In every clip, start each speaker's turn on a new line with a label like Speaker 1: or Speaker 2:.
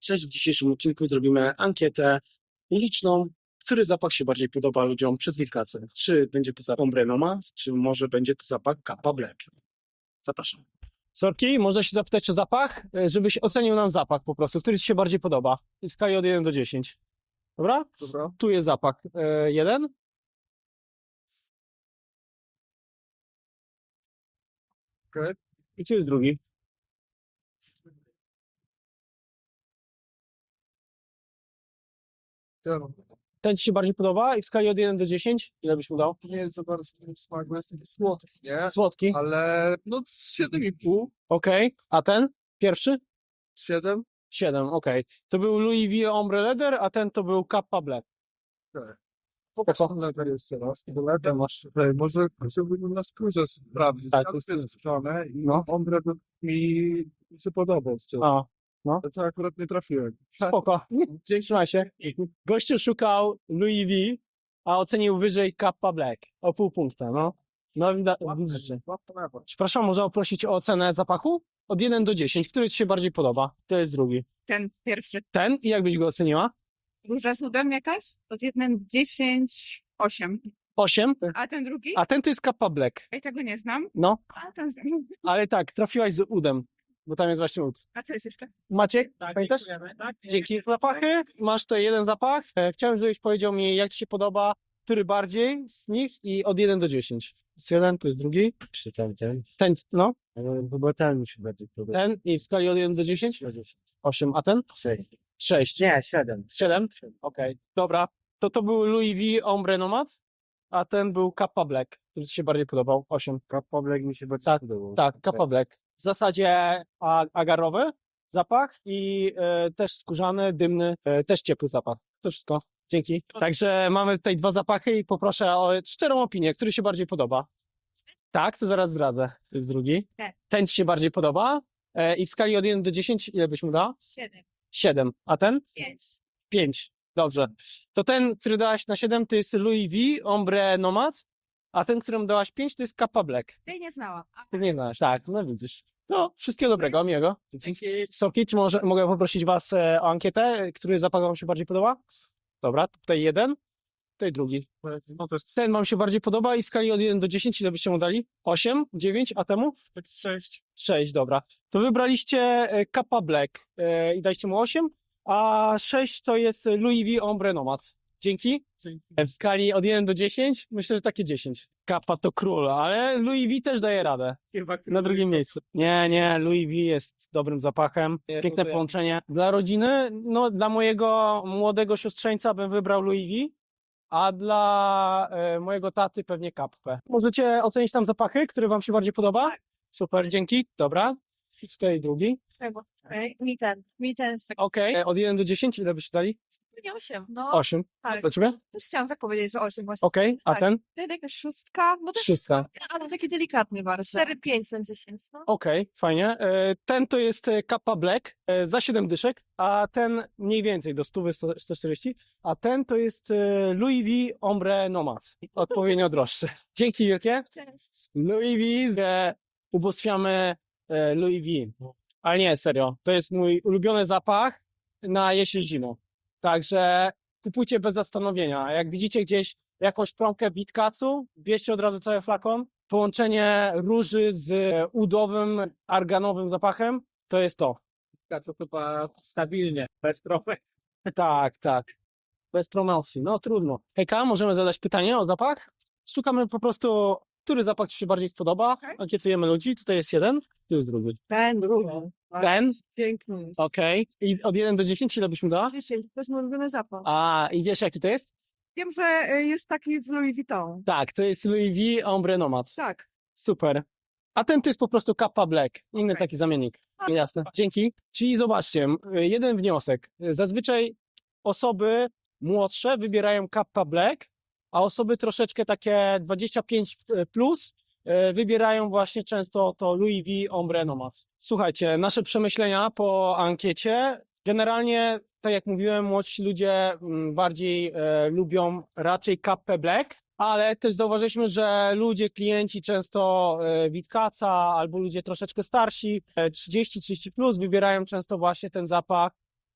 Speaker 1: Cześć, w dzisiejszym odcinku zrobimy ankietę liczną, który zapach się bardziej podoba ludziom przed Wielkacem. Czy będzie to zapach Ombre Nomad, czy może będzie to zapach Kappa Black. Zapraszam. Sorki, można się zapytać o zapach, żebyś ocenił nam zapach po prostu, który ci się bardziej podoba. W skali od 1 do 10. Dobra?
Speaker 2: Dobra.
Speaker 1: Tu jest zapach 1.
Speaker 2: Okej.
Speaker 1: I tu jest drugi. Ten ci się bardziej podoba i w skali od 1 do 10 ile byś mu dał?
Speaker 2: Nie jest za bardzo smak, bo jest taki słodki, nie?
Speaker 1: Słodki.
Speaker 2: Ale no 7,5,
Speaker 1: Okej. A ten? Pierwszy?
Speaker 2: 7.
Speaker 1: 7, okej. To był Louis V Ombre Leather, a ten to był Kappa Black.
Speaker 2: Pokaż ten level jeszcze raz. Bo level masz tutaj, może chciałbym na skórze sprawdzić.
Speaker 1: Tak,
Speaker 2: Tak,
Speaker 1: to
Speaker 2: to
Speaker 1: jest-
Speaker 2: jest skórzane i
Speaker 1: no.
Speaker 2: ombre by mi się podobał szczerze.
Speaker 1: A,
Speaker 2: To akurat nie trafiłem.
Speaker 1: spoko. Trzymaj się. Gościu szukał Louis V, a ocenił wyżej Kappa Black. O pół punkta, no. No widzicie. Przepraszam, można prosić o ocenę zapachu? Od 1 do 10. Który ci się bardziej podoba? To jest drugi.
Speaker 3: Ten pierwszy.
Speaker 1: Ten? I jak byś go oceniła?
Speaker 3: Róża z udem jakaś? Od 1 do 10, 8.
Speaker 1: 8.
Speaker 3: A ten drugi?
Speaker 1: A ten to jest Kappa Black.
Speaker 3: Ja tego nie znam.
Speaker 1: No,
Speaker 3: A ten znam.
Speaker 1: ale tak, trafiłaś z udem, bo tam jest właśnie ud.
Speaker 3: A co jest jeszcze?
Speaker 1: Maciek, pamiętasz? Dzięki. Zapachy. Masz tutaj jeden zapach. Chciałem, żebyś powiedział mi, jak ci się podoba, który bardziej z nich i od 1 do 10. To jest jeden, to jest drugi.
Speaker 4: Czy tamten?
Speaker 1: Ten, no,
Speaker 4: Chyba ten mi się bardziej podoba.
Speaker 1: ten i w skali od 1 do 10? 8, a ten?
Speaker 4: 6.
Speaker 1: 6.
Speaker 4: Nie, 7.
Speaker 1: 7? Okej, dobra. To był Louis V Ombre Nomad, a ten był Kappa Black, który ci się bardziej podobał. 8.
Speaker 4: Kappa Black mi się bardziej
Speaker 1: Tak,
Speaker 4: podobał.
Speaker 1: Tak, Kappa Black. W zasadzie agarowy zapach i też skórzany, dymny, też ciepły zapach. To wszystko. Dzięki. Także mamy tutaj dwa zapachy i poproszę o szczerą opinię, który się bardziej podoba. Tak, to zaraz zdradzę. To jest drugi.
Speaker 3: Tak.
Speaker 1: Ten ci się bardziej podoba i w skali od 1 do 10 ile byś mu dał?
Speaker 3: 7,
Speaker 1: 7. A ten?
Speaker 3: 5.
Speaker 1: 5. Dobrze. To ten, który dałaś na 7 to jest Louis V Ombre Nomad, a ten, którym dałaś 5 to jest Kappa Black.
Speaker 3: Tej nie znałam.
Speaker 1: Ty nie znasz, tak, no widzisz. To wszystkiego dobrego, miłego. Soki, czy mogę poprosić was o ankietę, który zapach wam się bardziej podoba? Dobra, tutaj jeden, tutaj drugi.
Speaker 2: No to jest
Speaker 1: Ten wam się bardziej podoba i w skali od 1 do 10 ile byście mu dali? 8, 9, a temu?
Speaker 2: tak 6.
Speaker 1: 6, dobra. To wybraliście Kappa Black i daliście mu 8, a 6 to jest Louis V Ombre Nomad. Dzięki. W skali od 1 do 10 myślę, że takie 10. Kappa to król, ale Louis V też daje radę. Na drugim miejscu. Nie, Louis V jest dobrym zapachem. Piękne połączenie. Dla rodziny, no dla mojego młodego siostrzeńca bym wybrał Louis V, a dla mojego taty pewnie Kappę. Możecie ocenić tam zapachy, który wam się bardziej podoba? Super, dzięki. Dobra. I tutaj drugi.
Speaker 3: Mi ten.
Speaker 1: Okej. Od 1 do 10 ile byście dali?
Speaker 3: Nie 8. No,
Speaker 1: 8.
Speaker 3: tak.
Speaker 1: Dla ciebie?
Speaker 3: Też chciałam tak powiedzieć, że 8 właśnie.
Speaker 1: Okej. A
Speaker 3: Tak.
Speaker 1: ten?
Speaker 3: Ten jakaś 6, bo też
Speaker 1: 6.
Speaker 3: ale taki delikatny bardzo. 4-5 na 10. No.
Speaker 1: Okej, fajnie. Ten to jest Kappa Black za 7 dyszek, a ten mniej więcej do 100, 140, a ten to jest Louis V Ombre Nomad. Odpowiednio droższy. Dzięki wielkie.
Speaker 3: Cześć.
Speaker 1: Louis V, ubóstwiamy Louis V. Ale nie, serio. To jest mój ulubiony zapach na jesień-zimę. Także kupujcie bez zastanowienia. Jak widzicie gdzieś jakąś promkę Witkacu, bierzcie od razu cały flakon. Połączenie róży z udowym, arganowym zapachem, to jest to.
Speaker 2: Co chyba stabilnie, bez problem.
Speaker 1: Tak. Bez promocji, no trudno. Hejka, możemy zadać pytanie o zapach? Szukamy po prostu, który zapach ci się bardziej spodoba.
Speaker 3: Okej.
Speaker 1: Ankietujemy ludzi, tutaj jest jeden, tu jest drugi.
Speaker 3: Ten drugi.
Speaker 1: Ten?
Speaker 3: Piękny jest.
Speaker 1: Okej. I od 1 do 10 ile byś mu dała?
Speaker 3: 10, to jest mój ulubiony zapach.
Speaker 1: A, i wiesz jaki to jest?
Speaker 3: Wiem, że jest taki w Louis Vuitton.
Speaker 1: Tak, to jest Louis V Ombre Nomad.
Speaker 3: Tak.
Speaker 1: Super. A ten to jest po prostu Kappa Black. Inny
Speaker 3: Okej.
Speaker 1: taki zamiennik. Jasne. Dzięki. Czyli zobaczcie, jeden wniosek. Zazwyczaj osoby młodsze wybierają Kappa Black, a osoby troszeczkę takie 25 plus wybierają właśnie często to Louis V Ombre Nomad. Słuchajcie, nasze przemyślenia po ankiecie. Generalnie, tak jak mówiłem, młodsi ludzie bardziej lubią raczej Kappę Black, ale też zauważyliśmy, że ludzie, klienci często Witkaca albo ludzie troszeczkę starsi, 30 plus, wybierają często właśnie ten zapach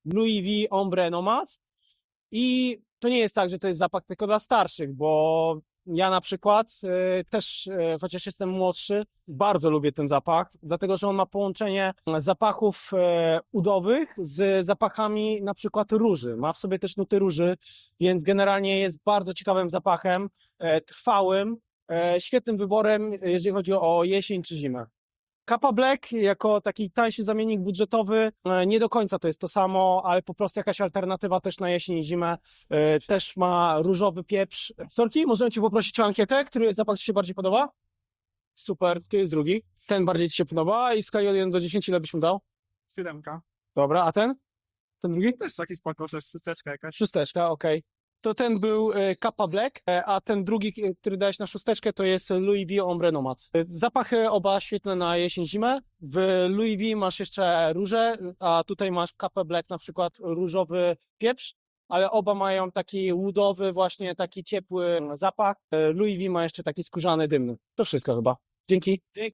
Speaker 1: Louis V Ombre Nomad. I to nie jest tak, że to jest zapach tylko dla starszych, bo ja na przykład też, chociaż jestem młodszy, bardzo lubię ten zapach, dlatego że on ma połączenie zapachów udowych z zapachami na przykład róży. Ma w sobie też nuty róży, więc generalnie jest bardzo ciekawym zapachem, trwałym, świetnym wyborem, jeżeli chodzi o jesień czy zimę. Kappa Black jako taki tańszy zamiennik budżetowy, nie do końca to jest to samo, ale po prostu jakaś alternatywa też na jesień i zimę. Też ma różowy pieprz. Sorki, możemy Cię poprosić o ankietę, który zapach Ci się bardziej podoba? Super, tu jest drugi. Ten bardziej Ci się podoba i w skali od 1 do 10 ile byś mu dał?
Speaker 2: 7.
Speaker 1: Dobra, a ten? Ten drugi?
Speaker 2: Też taki spoko, że jest szósteczka jakaś.
Speaker 1: Szósteczka, okej. To ten był Kappa Black, a ten drugi, który dałeś na szósteczkę, to jest Louis V Ombre Nomad. Zapachy oba świetne na jesień, zimę. W Louis V masz jeszcze róże, a tutaj masz w Kappa Black na przykład różowy pieprz, ale oba mają taki woodowy, właśnie taki ciepły zapach. Louis V ma jeszcze taki skórzany, dymny. To wszystko chyba. Dzięki.